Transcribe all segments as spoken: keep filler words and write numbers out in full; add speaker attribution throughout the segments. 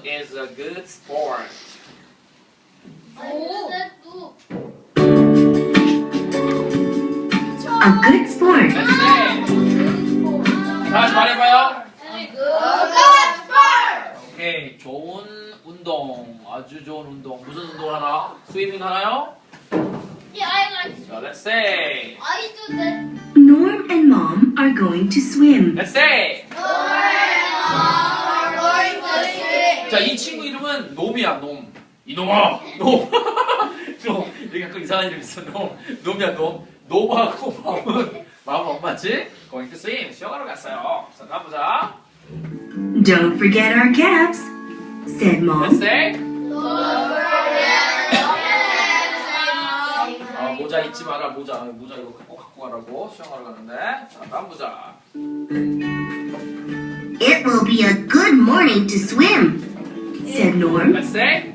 Speaker 1: is a good sport?
Speaker 2: A good sport.
Speaker 1: Let's say. 다시 말해봐요. 오케이, 좋은 운동, 아주 좋은 운동. 무슨 운동 하나? 스위밍 하나요? 자, let's say.
Speaker 2: Norm and Mom are going to swim.
Speaker 1: Let's say. 자, 이 친구 이름은 놈이야, 놈. 이놈아, 놈. 놈. 여기 가끔 이상한 이름 있어, 놈. 놈이야, 놈. 놈하고 마음은, 마음은 엄마지? Going to swim. 수영하러 갔어요. 자, 다음 보자.
Speaker 2: Don't forget our caps, said
Speaker 1: Let's
Speaker 2: Mom.
Speaker 1: say. 아, 모자 잊지 마라, 모자. 모자 이거 꼭 갖고 가라고. 수영하러 가는데. 자, 다음 보자.
Speaker 2: It will be a good morning to swim, said Norm.
Speaker 1: Let's say.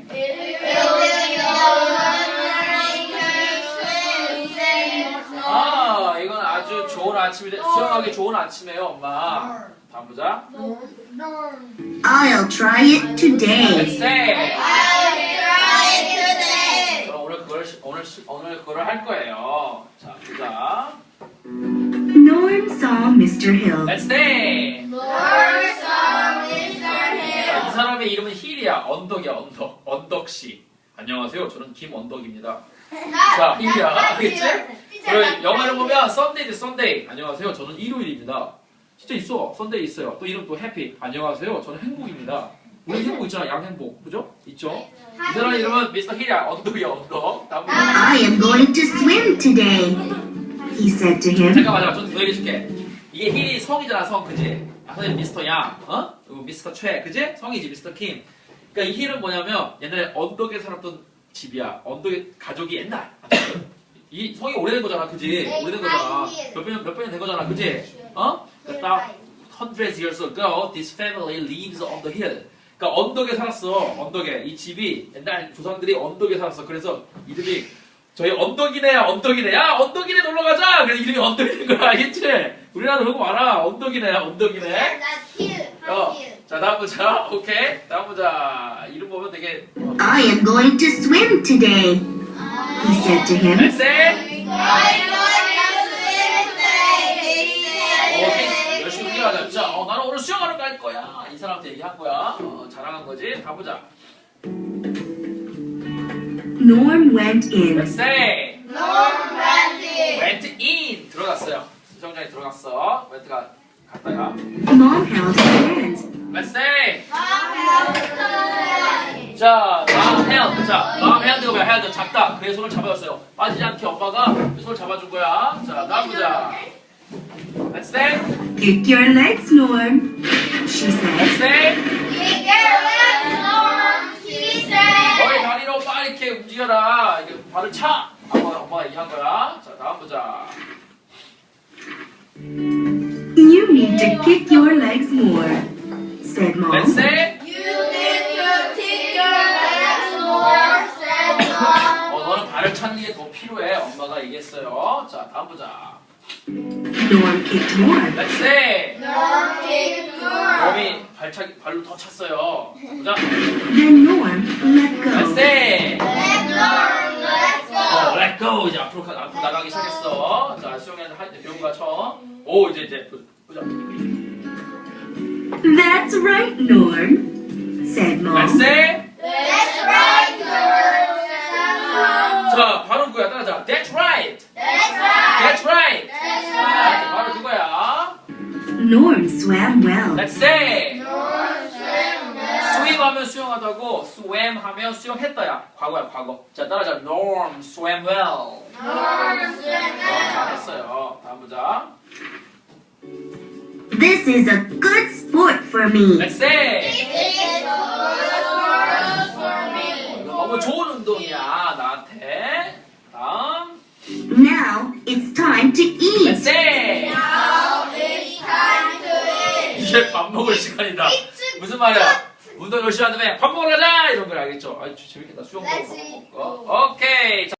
Speaker 1: 아, 이건 아주 좋은 아침인데 수영하기 좋은 아침이에요, 엄마. 다음 보자.
Speaker 2: I'll try it today.
Speaker 1: Let's say. 그럼 오늘 그걸 시- 오늘 시- 오늘 그걸 할 거예요. 자, 보자.
Speaker 2: Norm saw Mister Hill.
Speaker 1: Let's say. 자, 이 사람의 이름은 힐이야. 언덕이야, 언덕. 언덕 씨. 안녕하세요. 저는 김언덕입니다. 자, 힐이야. 알겠지? 그리고 영어를 보면 Sunday 대 Sunday. 안녕하세요. 저는 일요일입니다. 진짜 있어. Sunday 있어요. 또 이름 또 Happy. 안녕하세요. 저는 행복입니다. 우리 행복 있잖아. 양행복. 그죠? 있죠? 이 사람 이름은 미스터 힐이야. 언덕이야, 언덕. 다음 분.
Speaker 2: I am going to swim today, he said to him.
Speaker 1: 잠깐만, 잠깐만. 좀 더 얘기해줄게. 이게 힐이 성이잖아, 성. 그지? 아, 선생님 미스터 양. 어? 그리고 미스터 최. 그지? 성이지, 미스터 킴. 그러니까 이 힐은 뭐냐면 옛날에 언덕에 살았던 집이야. 언덕에 가족이 옛날. 이 성이 오래된 거잖아, 그지? 오래된 거잖아. 몇 년, 몇 년이 된 거잖아, 그지? 어? 그러니까 hundreds years ago, this family lives on the hill. 그러니까 언덕에 살았어, 언덕에. 이 집이 옛날 조상들이 언덕에 살았어. 그래서 이름이 저희 언덕이네, 언덕이네. 야, 언덕이네 놀러 가자. 그래서 이름이 언덕이 된 거야, 알겠지? 우리나라 그거 알아. 언덕이네, 언덕이네. 어. 자, 다음 보자. 오케이. 다음 보자. 이름 보면 되게. 어.
Speaker 2: I am going to swim today, he said to him.
Speaker 1: Let's say. 어, 열심히 훈련하자. 자, 어, 나는 오늘 수영하러 갈 거야. 이 사람한테 얘기한 거야. 어, 자랑한 거지. 가보자.
Speaker 2: Norm went in.
Speaker 1: Let's say. went in. 들어갔어요. 수영장에 들어갔어. 멘트가 갔다가.
Speaker 2: Mom held his hand.
Speaker 1: Let's say. 자, mom held. 자, mom hand가 뭐야? held. 잡다. 그의 손을 잡아줬어요. 빠지지 않게 엄마가 그 손을 잡아준 거야. 자, 다음 보자. Let's say.
Speaker 2: Kick your legs, Norm, she said.
Speaker 1: Let's say. 너의 다리로 빨리 이렇게 움직여라. 이게 발을 차. 엄마가, 엄마가 얘기한 거야. 자, 다음 보자.
Speaker 2: You need to kick your legs more, said Mom.
Speaker 1: Let's say. 어, 너는 발을 차는 게 더 필요해. 엄마가 얘기했어요. 자, 다음 보자.
Speaker 2: Norm kicked more.
Speaker 1: Let's say. 몸이 발차기, 발로 더 찼어요. 자, 보자.
Speaker 2: Then Norm let
Speaker 1: Let's
Speaker 2: go.
Speaker 1: say. 어, let go. 이제 앞으로, 가, 앞으로 나가기 시작했어. 자, 수영이한테 할 때 배운 거야, 처음. 오, 이제, 이제, 보자.
Speaker 2: That's right, Norm, said
Speaker 1: Let's
Speaker 2: Mom.
Speaker 1: say. 자, 바로 그거야. 따라자. That's right. That's right. 자, 바로 그거야.
Speaker 2: Norm swam well.
Speaker 1: Let's say. swim 하면 수영하다고, swam 하면 수영했다야. 과거야, 과거. 자, 따라자. Norm swam well. 어, 잘했어요. 다음 보자.
Speaker 2: This is a good sport for me.
Speaker 1: Let's say. 너무 좋은 운동이야, 나한테. 다음.
Speaker 2: Now it's time to
Speaker 1: Let's
Speaker 2: eat.
Speaker 1: say. 이제 밥 먹을 시간이다. 무슨 말이야? 운동 열심히 한다며 밥 먹으러 가자! 이런 걸 알겠죠? 아, 재밌겠다. 수영 보고 밥 먹고. 오케이.